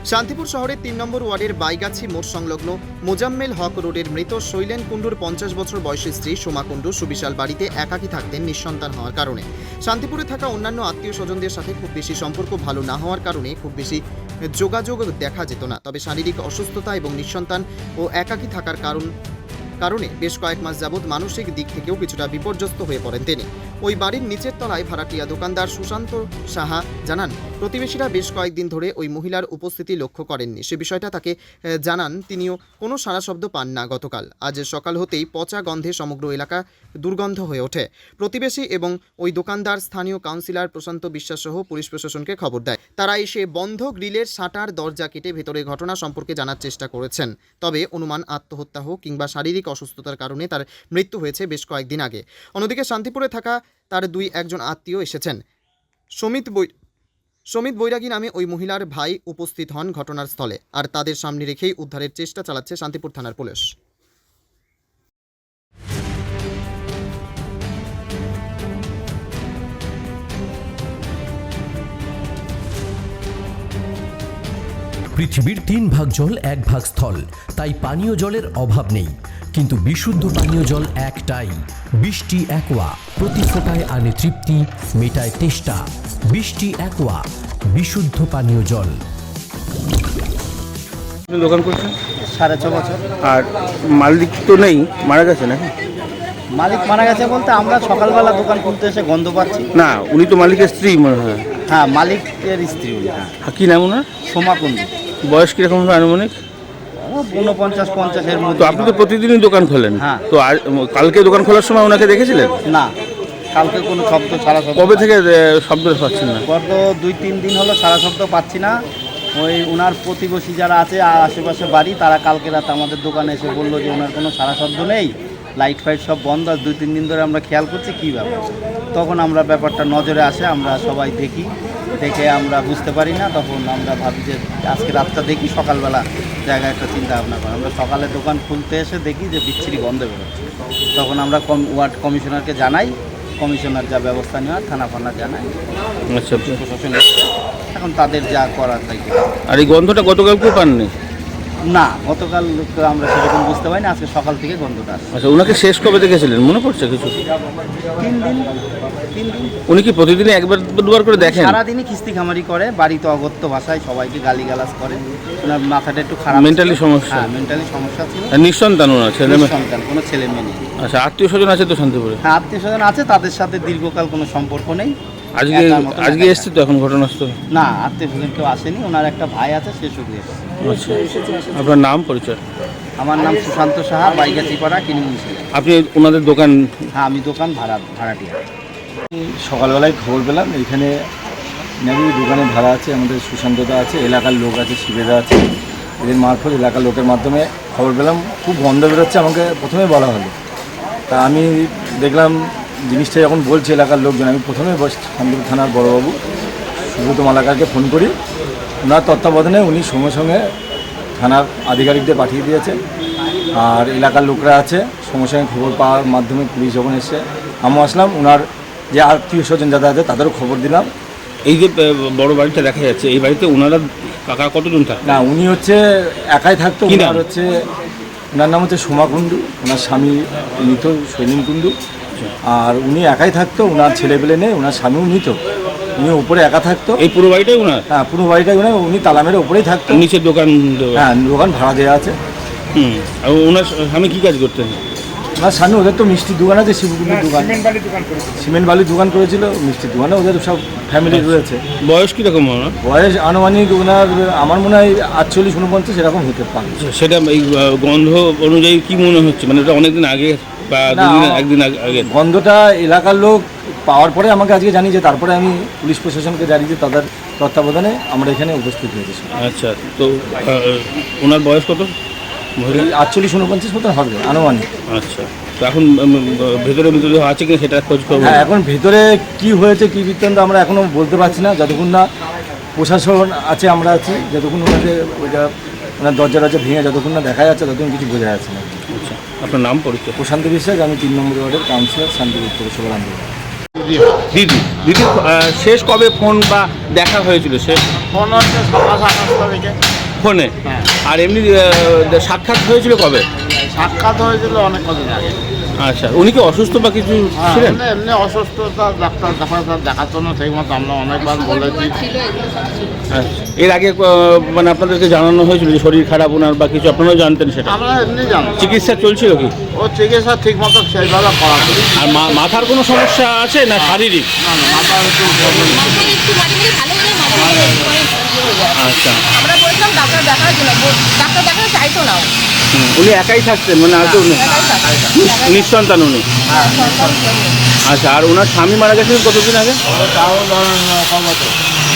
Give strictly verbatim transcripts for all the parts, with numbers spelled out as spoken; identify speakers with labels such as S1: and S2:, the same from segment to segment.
S1: শান্তিপুর শহরের তিন নম্বর ওয়ার্ডের বাইগাছি মোড় সংলগ্ন মোজাম্মেল হক রোডের মৃত শৈলেন কুণ্ডুর পঞ্চাশ বছর বয়সী স্ত্রী সোমা কুণ্ডু সুবিশাল বাড়িতে একাকী থাকতেন নিঃসন্তান হওয়ার কারণে। শান্তিপুরে থাকা অন্যান্য আত্মীয় স্বজনদের সাথে খুব বেশি সম্পর্ক ভালো না হওয়ার কারণে খুব বেশি যোগাযোগ দেখা যেত না। তবে শারীরিক অসুস্থতা এবং নিঃসন্তান ও একাকী থাকার কারণ কারণে বেশ কয়েক মাস যাবৎ মানসিক দিক থেকেও কিছুটা বিপর্যস্ত হয়ে পড়েন তিনি। ওই বাড়ির নিচের তলায় ভাড়াটিয়া দোকানদার সুশান্ত সাহা জানান, প্রতিবেশীরা বেশ কয়েকদিন ধরে ওই মহিলার উপস্থিতি লক্ষ্য করেননি। সে বিষয়টা তাকে জানান, তিনিও কোনো সাড়া শব্দ পান না। গতকাল আজ সকাল হতেই পচা গন্ধে সমগ্র এলাকা দুর্গন্ধ হয়ে ওঠে। প্রতিবেশী এবং ওই দোকানদার স্থানীয় কাউন্সিলর প্রশান্ত বিশ্বাস সহ পুলিশ প্রশাসনকে খবর দেয়। তারা এসে বন্ধ গ্রিলের শাটার দরজা কেটে ভেতরে ঘটনা সম্পর্কে জানার চেষ্টা করেছেন। তবে অনুমান আত্মহত্যা হোক কিংবা শারীরিক অসুস্থতার কারণে তার মৃত্যু হয়েছে বেশ কয়েকদিন আগে। অন্যদিকে শান্তিপুরে থাকা তার দুই একজন আত্মীয় এসেছেন। সমিত বৈ সমিত বৈরাগী নামে ওই মহিলার ভাই উপস্থিত হন ঘটনার স্থলে, আর তাদের সামনে রেখেই উদ্ধারের চেষ্টা চালাচ্ছে শান্তিপুর থানার পুলিশ।
S2: পৃথিবীর তিন ভাগ জল এক ভাগ স্থল, তাই পানীয় জলের অভাব নেই। কিন্তু বিশুদ্ধ পানীয় জল একটাই, বৃষ্টি অ্যাকোয়া। প্রতি ফোটায় আনে তৃপ্তি, মেটায় তেষ্টা। বৃষ্টি অ্যাকোয়া, বিশুদ্ধ পানীয় জল।
S3: দোকান করছেন
S4: সাড়ে ছ বছর।
S3: আর মালিক তো নেই, মারা গেছে নাকি?
S4: মালিক মারা গেছে বলতে আমরা সকালবেলা দোকান খুলতে এসে গন্ধ পাচ্ছি।
S3: না, উনি তো মালিকের স্ত্রী মনে হয়।
S4: হ্যাঁ, মালিকের স্ত্রী উনি।
S3: হ্যাঁ, কি নাম ওনার?
S4: সোমা কুণ্ডু।
S3: বয়স কিরকম হবে আনুমানিক?
S4: ঊনপঞ্চাশ পঞ্চাশের
S3: তো
S4: মধ্যে।
S3: আপনি তো প্রতিদিনই দোকান খোলেন।
S4: হ্যাঁ।
S3: তো আর কালকে দোকান খোলার সময় ওনাকে দেখেছিলেন?
S4: না, কালকে কোনো শব্দ ছাড়া শব্দ।
S3: কবে থেকে এ, শব্দ পাচ্ছেন না?
S4: গত দুই তিন দিন হলো সারা শব্দ পাচ্ছি না। ওই ওনার প্রতিবেশী যারা আছে আর আশেপাশে বাড়ি, তারা কালকে রাতে আমাদের দোকানে এসে বললো যে ওনার কোনো সারা শব্দ নেই, লাইট ফাইট সব বন্ধ। আর দুই তিন দিন ধরে আমরা খেয়াল করছি কী ব্যাপার। তখন আমরা ব্যাপারটা নজরে আসে, আমরা সবাই দেখি, দেখে আমরা বুঝতে পারি না। তখন আমরা ভাবি যে আজকে রাতটা দেখি, সকালবেলা জায়গায় একটা চিন্তা ভাবনা করি। আমরা সকালে দোকান খুলতে এসে দেখি যে বিচ্ছিরি গন্ধ বেরোচ্ছে। তখন আমরা কম ওয়ার্ড কমিশনারকে জানাই, কমিশনার যা ব্যবস্থা নেওয়ার থানা ফানা জানাই।
S3: আচ্ছা,
S4: প্রশাসন এখন তাদের যা করার তাই।
S3: আর এই গন্ধটা গতকালকেও পাননি?
S4: না, গতকাল তো আমরা সেরকম বুঝতে পারি না, আজকে সকাল থেকে গন্ধটা আসছে।
S3: আচ্ছা, ওনাকে শেষ কবে দেখেছিলেন মনে পড়ছে কিছু?
S4: তিন দিন তিন দিন
S3: উনি কি প্রতিদিনই একবার দুবার করে দেখেন?
S4: সারাদিনই খিস্তি খামারি করে, বাড়িতে অগত্য ভাষায় সবাইকে গালিগালাজ করে। ওনার মাথাটা একটু খারাপ,
S3: মেন্টালি সমস্যা।
S4: হ্যাঁ, মেন্টালি সমস্যা ছিল।
S3: আর নিঃসন্তান ওনার ছেলে মেয়ে?
S4: সন্তান, কোনো ছেলে মেয়ে নেই।
S3: আচ্ছা, আত্মীয় স্বজন আছে তো শান্তিপুরে?
S4: হ্যাঁ, আত্মীয় স্বজন আছে, তাদের সাথে দীর্ঘকাল কোনো সম্পর্ক নেই।
S3: আজকে
S4: একার মতন
S3: আজকে
S4: একা।
S3: এসছে তো এখন ঘটনাস্থলে?
S4: না, আত্মীয় স্বজন কেউ আসেনি। ওনার একটা ভাই আছে, সে শুধু এসেছে।
S3: আচ্ছা, আপনার নাম পরিচয়?
S4: আমার নাম সুশান্ত সাহা, বাইগাছিপাড়া, কিনিমুন্সি।
S3: আপনি ওনাদের দোকান?
S4: হ্যাঁ, আমি দোকান ভাড়া ভাড়াটিয়া।
S5: সকালবেলায় খবর পেলাম এখানে নাকি দোকানে ভাড়া আছে, আমাদের সুশান্তদা আছে, এলাকার লোক আছে, শিবেদা আছে। এদের মারফত এলাকার লোকের মাধ্যমে খবর পেলাম খুব গন্ধ বেরোচ্ছে, আমাকে প্রথমে বলা হলো। তা আমি দেখলাম জিনিসটা যখন বলছে এলাকার লোকজন, আমি প্রথমে শান্তিপুর থানার বড়বাবু সুব্রত মালাকারকে ফোন করি। ওনার তত্ত্বাবধানে উনি সঙ্গে সঙ্গে থানার আধিকারিকদের পাঠিয়ে দিয়েছে। আর এলাকার লোকরা আছে, সঙ্গে সঙ্গে খবর পাওয়ার মাধ্যমে পুলিশ যখন এসছে আমিও আসলাম। ওনার যে আত্মীয় স্বজন যারা আছে তাদেরও খবর দিলাম।
S3: এই যে বড় বাড়িটা দেখা যাচ্ছে, এই বাড়িতে ওনারা কাকা কতজন থাকে?
S5: না, উনি হচ্ছে একাই থাকতো। ওনার হচ্ছে ওনার নাম হচ্ছে সোমা কুণ্ডু, ওনার স্বামী মৃত শৈলেন কুণ্ডু। আর উনি একাই থাকতো, ওনার ছেলেপেলে নেই, ওনার স্বামীও মৃত। উনি উপরে একা থাকতো।
S3: এই পুরো বাড়িটাই ওনার?
S5: হ্যাঁ, পুরো বাড়িটাই ওনার। উনি তালা মেরে উপরেই থাকতো।
S3: নিচের দোকান?
S5: হ্যাঁ, দোকান ভাড়া দেওয়া আছে।
S3: হুম। আর ওনার স্বামী কী কাজ করতেন?
S5: ওনার স্বামী, ওদের তো মিষ্টির দোকান আছে, শিবকুণ্ডুর দোকান, সিমেন্ট বালির দোকান করেছিল, মিষ্টির দোকানে ওদের সব ফ্যামিলি রয়েছে।
S3: বয়স কীরকম ওনার?
S5: বয়স আনুমানিক ওনার আমার মনে হয় আটচল্লিশ উনপঞ্চাশ এরকম হতে পারে।
S3: সেটা এই গন্ধ অনুযায়ী কি মনে হচ্ছে, মানে এটা অনেকদিন আগে বা দুদিন একদিন আগে?
S5: গন্ধটা এলাকার লোক পাওয়ার পরে আমাকে আজকে জানিয়েছে, তারপরে আমি পুলিশ প্রশাসনকে জানিয়েছি, তাদের তত্ত্বাবধানে আমরা এখানে উপস্থিত হয়েছি।
S3: আচ্ছা, তো ওনার বয়স কত?
S5: আটচল্লিশ উনপঞ্চাশ মতো হবে আনুমানিক।
S3: আচ্ছা, তো এখন ভেতরে ভিতরে আছে কিনা সেটা খোঁজ খবর?
S5: হ্যাঁ, এখন ভেতরে কি হয়েছে কি বৃত্তান্ত আমরা এখনও বলতে পারছি না, যতক্ষণ না প্রশাসন আছে আমরা আছি, যতক্ষণ ওনাদের ওইটা ওনার দরজা দরজা ভেঙে যতক্ষণ না দেখা যাচ্ছে ততক্ষণ কিছু বোঝা যাচ্ছে না।
S3: আচ্ছা, আপনার নাম পরিচয়?
S5: প্রশান্ত বিশ্বাস, আমি তিন নম্বর ওয়ার্ডের কাউন্সিলর, শান্তিপুর পৌরসভার আন্দোলন।
S3: দিদি দিদি শেষ কবে ফোন বা দেখা হয়েছিল শেষ?
S4: ফোন হচ্ছে সকাল সাতটা তারিখে।
S3: ফোনে?
S4: হ্যাঁ।
S3: আর এমনি আহ, সাক্ষাৎ হয়েছিল কবে?
S4: সাক্ষাৎ হয়েছিল অনেক কদিন আগে।
S3: আচ্ছা, উনি কি অসুস্থ বা কিছু
S4: হ্যাঁ,
S3: ছিলেন?
S4: এমনি এমনি অসুস্থতা, ডাক্তার ডাক্তার দেখার জন্য ঠিক মতো আমরা অনেকবার বলেছি।
S3: আচ্ছা, এর আগে আহ, মানে আপনাদেরকে জানানো হয়েছিল যে শরীর খারাপ ওনার বা কিছু, আপনারাও জানতেন সেটা?
S4: আমরা এমনি জানি
S3: চিকিৎসা চলছিল কি?
S4: ও চিকিৎসা ঠিক মতো সেইভাবে করা ছিল।
S3: আর মা- মাথার কোনো সমস্যা আছে না শারীরিক?
S4: না না, মাথা একটু problem ছিল।
S6: মাথায় একটু মাঝে মাঝে ভালো হলে মাথায়
S3: আচ্ছা।
S6: আমরা বলছিলাম ডাক্তার দেখার জন্য, বল- ডাক্তার দেখাতে চাইতো না ও।
S3: হুম, উনি একাই থাকতেন মানে আর কেউ নেই?
S6: একাই থাকতো।
S3: নিঃ- নিঃসন্তান উনি? আচ্ছা, আর ওনার স্বামী মারা গেছিলেন কতদিন আগে?
S4: তাও ধরেন ক বছর।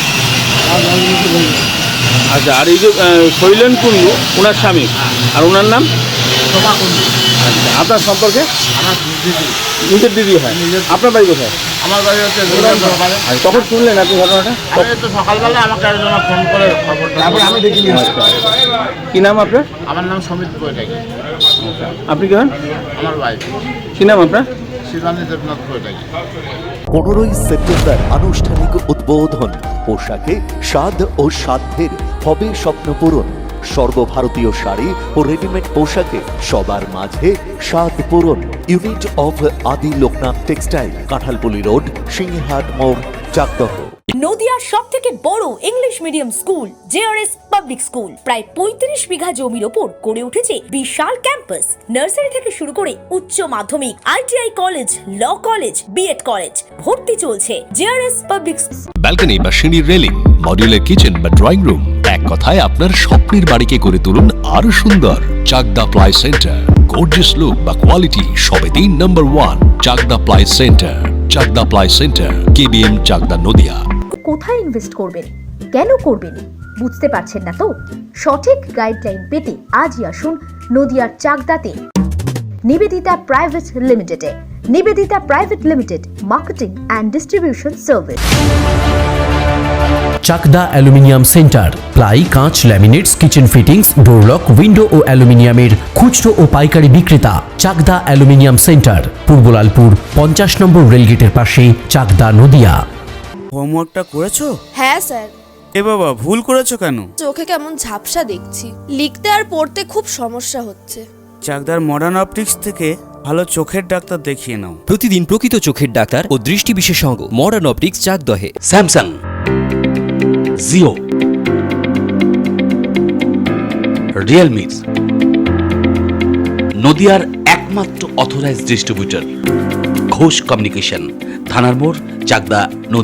S3: আচ্ছা, আর এই যে আহ, শৈলেন কুণ্ডু ওনার স্বামী, আর ওনার নাম?
S4: সোমা কুণ্ডু।
S3: আচ্ছা, আপনার সম্পর্কে?
S4: আমার দিদি।
S3: নিজের দিদি হয়? আপনার বাড়ি কোথায়?
S4: আমার বাড়ি হচ্ছে দুর্গাপুর বাড়ি।
S3: আচ্ছা, কখন শুনলেন আপনি ঘটনাটা?
S4: আমি তো সকালবেলা আমাকে একজন ফোন করে খবরটা, তারপরে আমি দেখি নিয়ে আসছি।
S3: কি নাম আপনার?
S4: আমার নাম সমিত বৈরাগী।
S3: আপনি কি হন?
S4: আমার ভাই
S3: কি নাম আপনার?
S4: শিবানী দেবনাথ বৈরাগী।
S7: পনেরোই সেপ্টেম্বর আনুষ্ঠানিক উদ্বোধন। পোশাকে স্বাদ ও সাধ্যের হবে স্বপ্ন পূরণ। সর্বভারতীয় শাড়ি ও রেডিমেড পোশাকে সবার মাঝে স্বাদ পূরণ। Unit of Adi Loknath textile, Kanthalpuli road, Singhat মোড়, চাকদহ।
S8: নদিয়ার সব থেকে বড় English medium school JRS public school প্রায় পঁয়ত্রিশ বিঘা জমির ওপর গড়ে উঠেছে বিশাল ক্যাম্পাস। নার্সারি থেকে শুরু করে উচ্চ মাধ্যমিক, ITI college, law college, BEd college, ভর্তি চলছে। জেআরএস পাবলিক
S2: ব্যালকনি বা সিঁড়ির রেলিং, মডিউলার কিচেন বা ড্রয়িং রুম, এক কথায় আপনার স্বপ্নের বাড়িকে করে তুলুন আরো সুন্দর। Chakda ply centre, gorgeous look বা কোয়ালিটি সবে তিন number one. Chakda ply centre, Chakda ply centre, KBM, Chakda, Nadia.
S9: কোথায় ইনভেস্ট করবেন, কেন করবেন, বুঝতে পারছেন না তো? সঠিক গাইডলাইন পেতে আজই আসুন নদিয়ার চাকদাতে নিবেদিতা প্রাইভেট লিমিটেডে। Nivedita private limited, marketing and distribution service.
S2: Chakda aluminium centre, ply, কাঁচ, laminates, kitchen fittings, door lock, window ও অ্যালুমিনিয়ামের খুচরো ও পাইকারি বিক্রেতা। চাকদা অ্যালুমিনিয়াম সেন্টার, পূর্বলালপুর পঞ্চাশ নম্বর রেলগেটের পাশে, চাকদা, নদিয়া।
S10: হোমওয়ার্কটা করেছো?
S6: হ্যাঁ স্যার।
S10: এ বাবা, ভুল করেছো কেন?
S6: চোখে কেমন ঝাপসা দেখছি, লিখতে আর পড়তে খুব সমস্যা হচ্ছে।
S10: চাকদার মডার্ন অপটিক্স থেকে ভালো চোখের ডাক্তার দেখিয়ে নাও।
S2: প্রতিদিন প্রকৃত চোখের ডাক্তার ও দৃষ্টি বিশেষজ্ঞ মডার্ন অপটিক্স, চাকদহে।
S11: স্যামসাং, জিও, রিয়েলমি, নদিয়ার একমাত্র অথরাইজড ডিস্ট্রিবিউটর ঘোষ কমিউনিকেশন, থানার মোড়, চাকদা, নদিয়া।